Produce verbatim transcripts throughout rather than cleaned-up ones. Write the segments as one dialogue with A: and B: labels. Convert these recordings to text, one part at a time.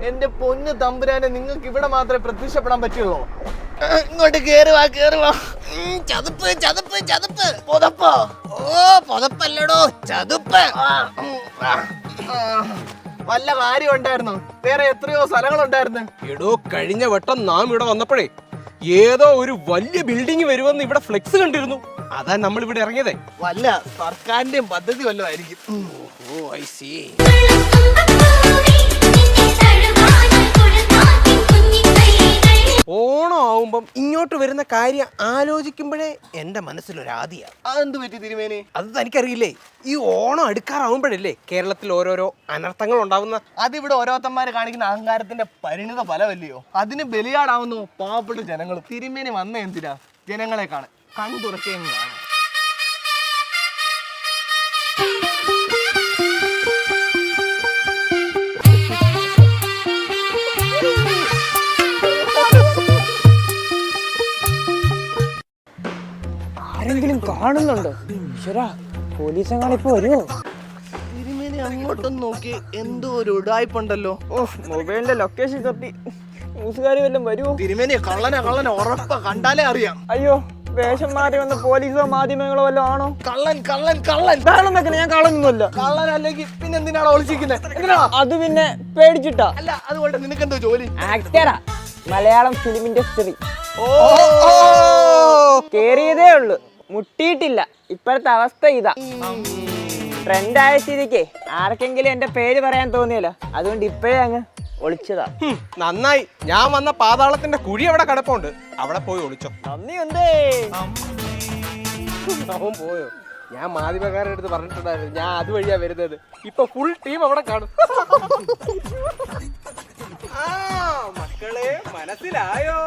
A: എന്റെ പൊന്ന് തമ്പുരാനെ, നിങ്ങൾക്ക് ഇവിടെ മാത്രമേ പ്രത്യക്ഷപ്പെടാൻ പറ്റുള്ളൂ. ഇങ്ങോട്ട് കേറുവാ കേറുവാ. ചതുപ്പ് ചതുപ്പ് ചതുപ്പ്. പൊതപ്പോ? ഓ പൊതപ്പല്ലടോ, ചതുപ്പ്. വല്ല കാര്യം ഉണ്ടായിരുന്നു? വേറെ എത്രയോ സ്ഥലങ്ങളുണ്ടായിരുന്നു.
B: എടോ, കഴിഞ്ഞ വട്ടം നാം ഇവിടെ വന്നപ്പോഴേ ഏതോ ഒരു വലിയ ബിൽഡിംഗ് വരുമെന്ന് ഇവിടെ ഫ്ലെക്സ് കണ്ടിരുന്നു. അതാ നമ്മൾ ഇവിടെ ഇറങ്ങിയതേ.
A: വല്ല സർക്കാരിന്റെയും പദ്ധതി വല്ലതും ആയിരിക്കും.
B: ഓ ഐ സീ. ഓണം ആവുമ്പം ഇങ്ങോട്ട് വരുന്ന കാര്യം ആലോചിക്കുമ്പോഴേ എന്റെ മനസ്സിലൊരാദിയാ.
A: അതെന്ത് പറ്റി തിരുമേനി?
B: അത് തനിക്കറിയില്ലേ? ഈ ഓണം അടുക്കാറാവുമ്പോഴല്ലേ കേരളത്തിൽ ഓരോരോ അനർത്ഥങ്ങൾ ഉണ്ടാവുന്ന.
A: അതിവിടെ ഓരോരുത്തന്മാര് കാണിക്കുന്ന അഹങ്കാരത്തിന്റെ പരിണിത ഫലമല്ലയോ? അതിന് ബലിയാടാവുന്നു പാവപ്പെട്ട ജനങ്ങൾ. തിരുമേനി വന്ന എന്തിനാ? ജനങ്ങളെ കാണാൻ, കണ്ണു തുറക്കുകയും കാണാം.
C: ആരെങ്കിലും കാണുന്നുണ്ടോ? ഈശ്വരാ, പോലീസെങ്ങാനും ഇപ്പൊ വരുമോ?
A: തിരുമേനി അങ്ങോട്ടൊന്ന് നോക്കി, എന്തോ ഒരു ഉടായ്പുണ്ടല്ലോ.
C: ഓ, മൊബൈലിന്റെ ലൊക്കേഷൻ തപ്പി ന്യൂസുകാരി വല്ലതും വരുമോ?
A: തിരുമേനി കള്ളന കള്ളന ഉറപ്പ, കണ്ടാലേ അറിയാം.
C: അയ്യോ, വേഷം മാറി വന്ന പോലീസോ മാധ്യമങ്ങളോ വല്ലതും ആണോ?
A: കള്ളൻ കള്ളൻ കള്ളൻ.
C: കള്ളം വെക്കണേ, ഞാൻ കള്ളൊന്നുമല്ല.
A: കള്ളൻ അല്ലെങ്കിൽ പിന്നെ എന്തിനാണ് ഒളിച്ചിരിക്കുന്നത്? എന്തിനാ?
C: അത് പിന്നെ പേടിച്ചിട്ടാ.
A: അല്ല, അതുകൊണ്ട് നിനക്കെന്തോ ജോലി?
C: ആക്ടറാ, മലയാളം ഫിലിം ഇൻഡസ്ട്രി.
A: ഓ,
C: കേറിയതേ ഉള്ളു, മുട്ടിയിട്ടില്ല. ഇപ്പോഴത്തെ അവസ്ഥ ഇതാ. ട്രെൻഡ് ആയ സ്ഥിതിക്ക് ആർക്കെങ്കിലും എന്റെ പേര് പറയാൻ തോന്നിയല്ലോ, അതുകൊണ്ട് ഇപ്പോഴേ അങ്ങ് ഒളിച്ചതാ.
B: നന്നായി, ഞാൻ വന്ന പാതാളത്തിന്റെ കുഴി അവിടെ കിടപ്പുണ്ട്, അവിടെ പോയി ഒളിച്ചോ.
C: നന്ദി ഉണ്ടേ.
B: അവൻ പോയോ? ഞാൻ മാധ്യമക്കാരുടെ അടുത്ത് പറഞ്ഞിട്ടുണ്ടായിരുന്നു ഞാൻ അതുവഴിയാ വരുന്നത്. ഇപ്പൊ ഫുൾ ടീം അവിടെ കാണും. ആ മക്കളെ, മനസ്സിലായോ?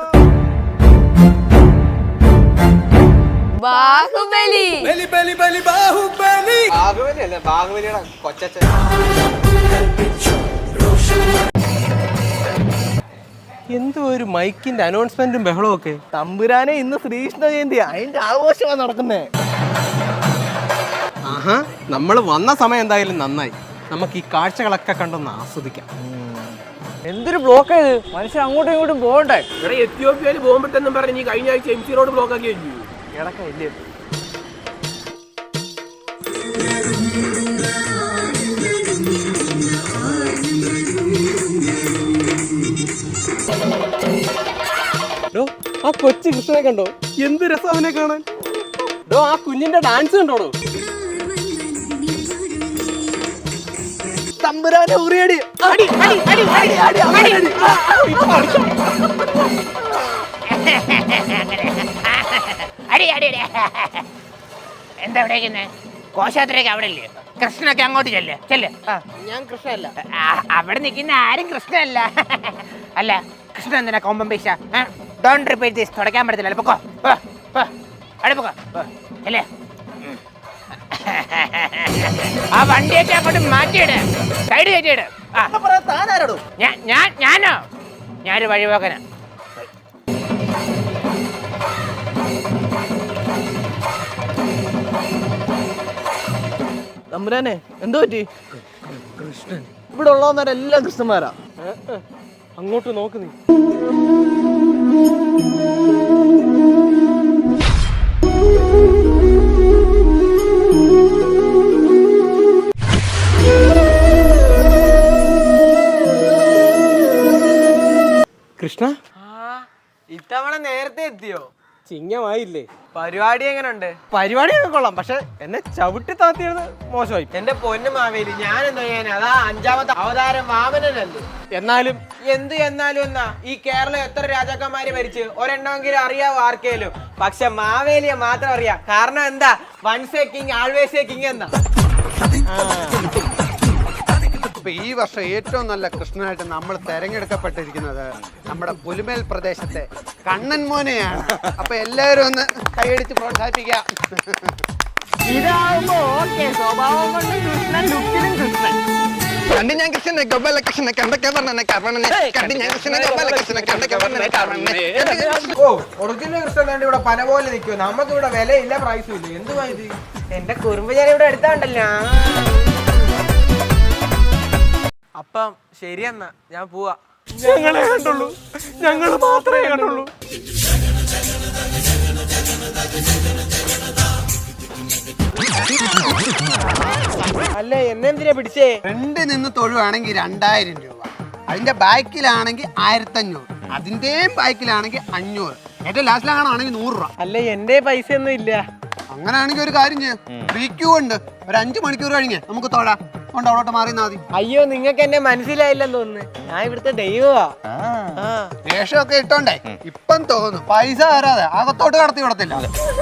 D: ബാഹുബലി.
B: ബലി ബലി ബലി ബാഹുബലി. ബാഹുബലി അല്ല, ബാഹുബലിയുടെ കൊച്ചച്ഛൻ. എന്തോ ഒരു മൈക്കിന്റെ അനൗൺസ്മെന്റും ബഹളവും ഒക്കെ.
A: തമ്പുരാനെ, ഇന്ന് ശ്രീകൃഷ്ണ ജയന്തി, അതിന്റെ ആഘോഷമാണ് നടക്കുന്നേ.
B: ആഹാ, നമ്മൾ വന്ന സമയം എന്തായാലും നന്നായി. നമുക്ക് ഈ കാഴ്ചകളൊക്കെ കണ്ടൊന്ന് ആസ്വദിക്കാം.
C: എന്തൊരു ബ്ലോക്ക് ആയത്, മനുഷ്യൻ അങ്ങോട്ടും ഇങ്ങോട്ടും പോകണ്ടേ?
E: ഇവിടെ എത്യോപ്യയിൽ പോകുമ്പോഴത്തെന്നും പറഞ്ഞ് കഴിഞ്ഞ ആഴ്ച എം സി റോഡ് ബ്ലോക്ക് ആക്കി കഴിഞ്ഞു.
C: കിടക്കില്ലേ?
B: ആ കൊച്ചു കൃഷ്ണനെ കണ്ടോ? എന്ത് രസം അവനെ കാണാൻ. ഡോ, ആ കുഞ്ഞിന്റെ ഡാൻസ് കണ്ടോടോ?
A: തമ്പുരാനെ ഉറിയടി.
D: എന്താ ഇവിടെ കോശാത്രയ്ക്ക് അവിടെ ഇല്ലേ? കൃഷ്ണനൊക്കെ അങ്ങോട്ട് ചെല്ല് ചെല്ല്.
A: ഞാൻ കൃഷ്ണല്ല.
D: അവിടെ നിൽക്കുന്ന ആരും കൃഷ്ണനല്ല. അല്ല, കൃഷ്ണൻ എന്തിനാ കൊമ്പം പൈസ? Don't repeat this. തുടക്കാൻ പറ്റത്തില്ല. പൊക്കോ, അവിടെ പൊക്കോ അല്ലേ. ആ വണ്ടിയൊക്കെ അങ്ങോട്ട് മാറ്റിയിട്, സൈഡ് കയറ്റിയിട്. ഞാൻ ഞാനോ ഞാനൊരു വഴിപോക്കനാ.
A: തമ്പുരാനെ, എന്തോ പറ്റി? കൃഷ്ണൻ ഇവിടെ ഉള്ളവന്മാരെല്ലാം കൃഷ്ണന്മാരാ.
B: അങ്ങോട്ട് നോക്ക് നീ. കൃഷ്ണ,
C: ഇത്തവണ നേരത്തെ എത്തിയോ?
B: ചിങ്ങമായില്ലേ?
C: പരിപാടി എങ്ങനെയുണ്ട്?
B: പരിപാടിയൊക്കെ കൊള്ളാം, പക്ഷെ എന്നെ ചവിട്ടി താത്തിയത് മോശമായി.
C: എന്റെ പൊന്നു മാവേലി, ഞാൻ എന്താ ചെയ്യാൻ? അതാ അഞ്ചാമത്തെ അവതാരം വാമനനല്ലേ.
B: എന്നാലും
C: എന്ത് എന്നാലും എന്നാ, ഈ കേരളം എത്ര രാജാക്കന്മാര് ഭരിച്ച് ഒരെണ്ണമെങ്കിലും അറിയാവോ ആർക്കേലും? പക്ഷെ മാവേലിയെ മാത്രം അറിയാം. കാരണം എന്താ? Once a king always a king എന്നാ.
F: അപ്പൊ ഈ വർഷം ഏറ്റവും നല്ല കൃഷ്ണനായിട്ട് നമ്മൾ തെരഞ്ഞെടുക്കപ്പെട്ടിരിക്കുന്നത് നമ്മുടെ പുലിമേൽ പ്രദേശത്തെ കണ്ണൻ മോനെയാണ്. അപ്പൊ എല്ലാവരും ഒന്ന് കൈയടിച്ച് പ്രോത്സാഹിപ്പിക്കാം.
C: ഇതാവുമ്പോ ഓക്കെ, സ്വഭാവം കൊണ്ട് കൃഷ്ണൻ, ലുക്കിലും കൃഷ്ണൻ.
F: കണ്ടി ഞാൻ കൃഷ്ണനെ ഗോപാല കൃഷ്ണനെ കണ്ടൊക്കെ പറഞ്ഞെ കർണനെ കണ്ടി ഞാൻ കൃഷ്ണനെ ഗോപാല കൃഷ്ണനെ കണ്ടൊക്കെ പറഞ്ഞെ കർണനെ.
C: ഓ, ഒറിജിനൽ കൃഷ്ണൻ വേണ്ടി ഇവിടെ പന പോലെ നിൽക്കുമോ? നമുക്ക് ഇവിടെ വിലയില്ല, പ്രൈസും ഇല്ല. എന്തുവാ ഇത്? എന്റെ കുറുമ്പ് ഞാൻ ഇവിടെ എടുത്താണ്ടല്ലോ. അപ്പം ശരിയെന്നാ, ഞാൻ പോവാ.
B: ഞങ്ങളെ കണ്ടുള്ളൂ, ഞങ്ങൾ മാത്രമേ കണ്ടുള്ളൂ.
C: അല്ല എന്നെന്തിനാ പിടിച്ചേ?
F: ഫ്രണ്ട് നിന്ന് തൊഴുവാണെങ്കിൽ രണ്ടായിരം രൂപ, അതിന്റെ ബാക്കിലാണെങ്കിൽ ആയിരത്തഞ്ഞൂറ്, അതിന്റെയും ബാക്കിലാണെങ്കിൽ അഞ്ഞൂറ്, ഏറ്റവും ലാസ്റ്റിലാണെങ്കിൽ നൂറ് രൂപ.
C: അല്ല എന്റെ പൈസ ഒന്നും ഇല്ല.
F: അങ്ങനെയാണെങ്കിൽ ഒരു കാര്യം ചെയ്യാം, ഫ്രീ ക്യൂ ഉണ്ട്, ഒരു അഞ്ചു മണിക്കൂർ കഴിഞ്ഞ് നമുക്ക് തൊഴാം. കൊണ്ട് അവിടോട്ട് മാറിയെന്നാ മതി.
C: അയ്യോ നിങ്ങൾക്ക് എന്നെ മനസ്സിലായില്ലെന്ന് തോന്നുന്നു. ഞാൻ ഇവിടുത്തെ ദൈവമാ.
F: വേഷമൊക്കെ ഇട്ടോണ്ടേ ഇപ്പം തോന്നുന്നു പൈസ തരാതെ അകത്തോട്ട് കടത്തി വിടത്തില്ല.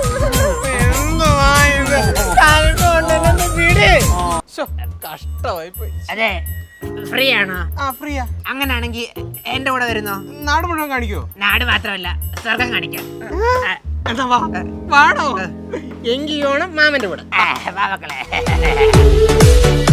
B: കഷ്ടമായി പോയി.
D: അതെ, ഫ്രീ ആണോ?
B: ആ ഫ്രീയാ.
D: അങ്ങനാണെങ്കിൽ എന്റെ കൂടെ വരുന്നോ?
B: നാട് മുഴുവൻ കാണിക്കോ?
D: നാട് മാത്രമല്ല, സ്വർഗം കാണിക്കാം.
B: എന്നാ വാ. വാടോ.
D: എങ്കിൽ ഓണം മാമന്റെ കൂടെ. വാ മക്കളെ.